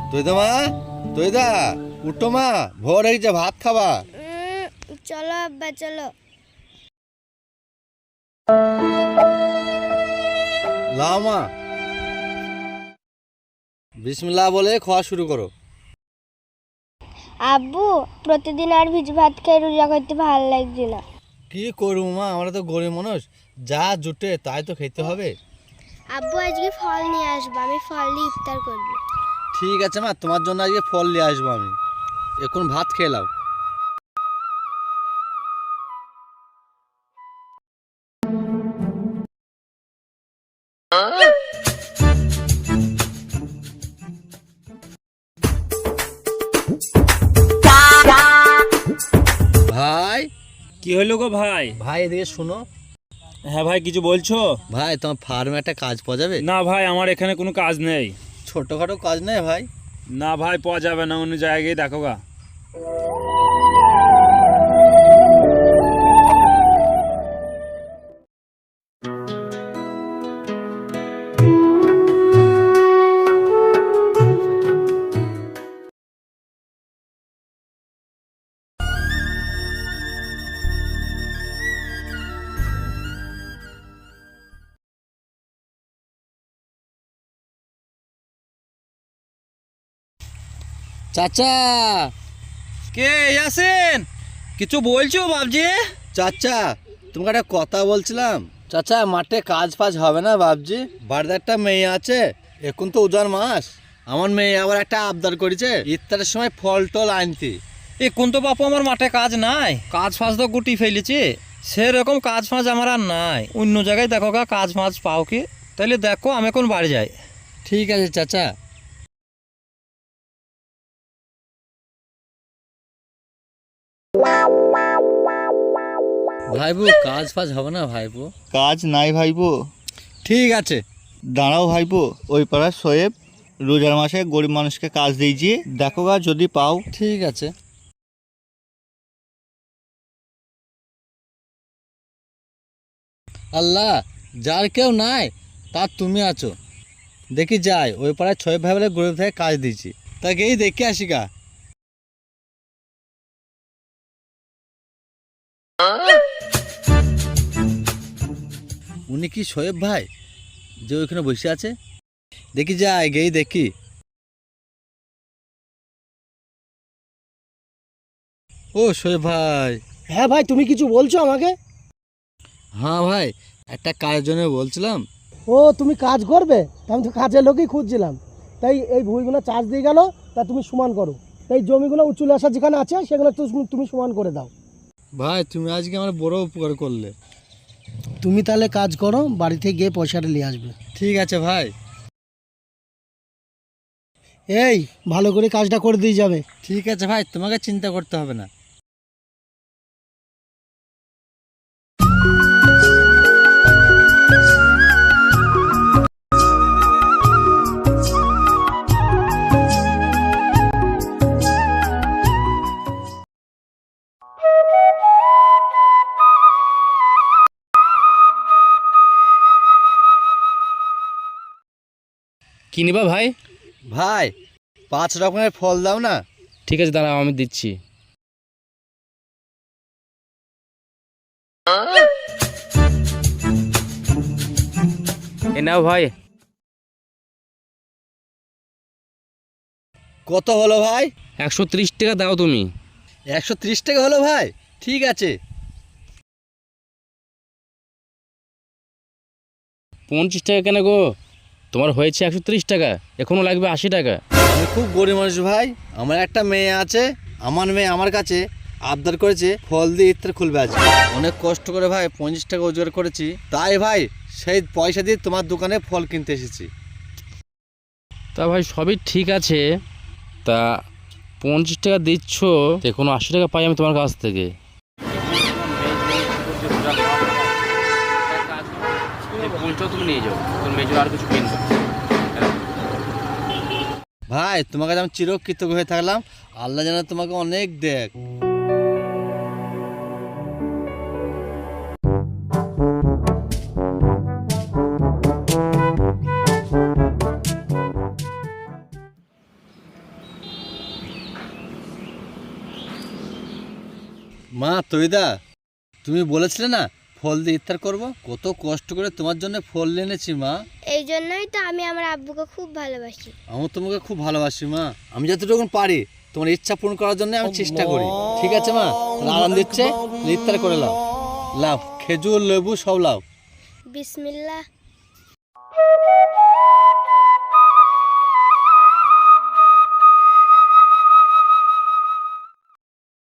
দইদা মা, দইদা উঠো মা, ভোর হয়ে গেছে, ভাত খাবা। চলো আব্বা চলো। লাও মা, বিসমিল্লাহ বলে খাওয়া শুরু করো। আব্বু প্রতিদিন আর ভিজ ভাত খেয়ে রোজা করতে ভালো লাগছে না। কি করবো মা, আমরা তো গরিব মানুষ, যা জুটে তাই তো খেতে হবে। আব্বু আজকে ফল নিয়ে আসবো, আমি ফল দিয়ে ইফতার করবো। ঠিক আছে মা, তোমার জন্য আজকে ফল নিয়ে আসবো আমি। এখন ভাত খেয়ে নাও। ভাই, কি হলো গো ভাই? ভাই এদিকে শুনো। হ্যাঁ ভাই, কিছু বলছো? ভাই তোমার ফার্মে একটা কাজ পাওয়া যাবে? না ভাই, আমার এখানে কোনো কাজ নেই। ছোটখাটো কাজ নেই ভাই? না ভাই, পাওয়া যাবে না, অন্য জায়গায় দেখো গা। চাচা, কে আছেন? কিছু বলছো বাবজি? চাচা তোমাকে একটা কথা বলছিলাম। চাচা মাঠে কাজ ফাজ হবে না বাবজি? বাড়িতে একটা মেয়ে আছে, এখন তো উজার মাস। আমার মেয়ে আবার একটা আবদার করেছে ইফতারের সময় ফল টল আনতে। এখন তো বাপু আমার মাঠে কাজ নাই, কাজ ফাজ তো গুটি ফেলেছি। সেরকম কাজ ফাজ আমার আর নাই, অন্য জায়গায় দেখো গা কাজ ফাজ পাও কি। তাইলে দেখো, আমি এখন বাড়ি যাই। ঠিক আছে চাচা। ভাইবু কাজ ফাজ হবে না ভাইবু? কাজ নাই ভাইপো। ঠিক আছে। দাঁড়াও ভাইপো, ওই পাড়ার সোয়েব রোজার মাসে গরিব মানুষকে কাজ দিয়েছি, দেখো গা যদি পাও। ঠিক আছে। আল্লাহ, যার কেউ নাই তার তুমি আছো। দেখি যাই, ওই পাড়ায় ছয় ভাই বলে গরিব থেকে কাজ দিয়েছি, তাকেই দেখে আসি গা। উনি কি শোয়েব ভাই যে ওইখানে বসে আছে? দেখি যাই, গেই দেখি। ও শোয়েব ভাই। হ্যাঁ ভাই, তুমি কিছু বলছো আমাকে? হ্যাঁ ভাই, একটা কাজের জন্য বলছিলাম। ও তুমি কাজ করবে? তা আমি তো কাজের লোকই খুঁজছিলাম। তাই এই ভুঁইগুলো চার্জ দিয়ে গেল, তা তুমি সমান করো। তাই জমিগুলো উঁচু আসা যেখানে আছে সেগুলো তুমি সমান করে দাও। ভাই তুমি আজকে আমার বড় উপকার করলে। তুমি তাহলে কাজ করো, বাড়িতে গিয়ে পয়সাটা নিয়ে আসবে। ঠিক আছে ভাই। এই ভালো করে কাজটা করে দিয়ে যাবে। ঠিক আছে ভাই, তোমাকে চিন্তা করতে হবে না। কি নিবা ভাই? ভাই 5 রকমের ফল দাও না। ঠিক আছে, দাঁড়াও আমি দিচ্ছি। এ নাও ভাই। কত হলো ভাই? 130 টাকা দাও তুমি। 130 টাকা হলো ভাই? ঠিক আছে। 50 টাকা কেন গো? তোমার হয়েছে 130 টাকা, এখনো লাগবে 80 টাকা। আমি খুব গরিব মানুষ ভাই, আমার একটা মেয়ে আছে। আমার মেয়ে আমার কাছে আবদার করেছে ফল দিয়ে ইফতার খুলবে আজ। অনেক কষ্ট করে ভাই 50 টাকা রোজগার করেছি, তাই ভাই সেই পয়সা দিয়ে তোমার দোকানে ফল কিনতে এসেছি। তা ভাই সবই ঠিক আছে, তা 50 টাকা দিচ্ছ, এখনো 80 টাকা পাই আমি তোমার কাছ থেকে। তুমি নিয়ে যাও, তোর মেজর আর কিছু কিনবে। ভাই তোমাকে আমি চিরকৃতজ্ঞ হয়ে থাকলাম, আল্লাহ যেন তোমাকে অনেক দেখ। মা তৈদা, তুমি বলেছিলে না ফল দিয়ে ইফতার করব, কত কষ্ট করে তোমার জন্য ফল এনেছি মা। এই জন্যই তো আমি আমার আব্বুকে খুব ভালোবাসি। আমি তোমাকে খুব ভালোবাসি মা, আমি যতটুকু পারি তোমার ইচ্ছা পূরণ করার জন্য আমি চেষ্টা করি। ঠিক আছে মা, আরাম দিচ্ছে, ইফতার করে লাও। লাও খেজুর লেবু সব লাও। বিসমিল্লাহ।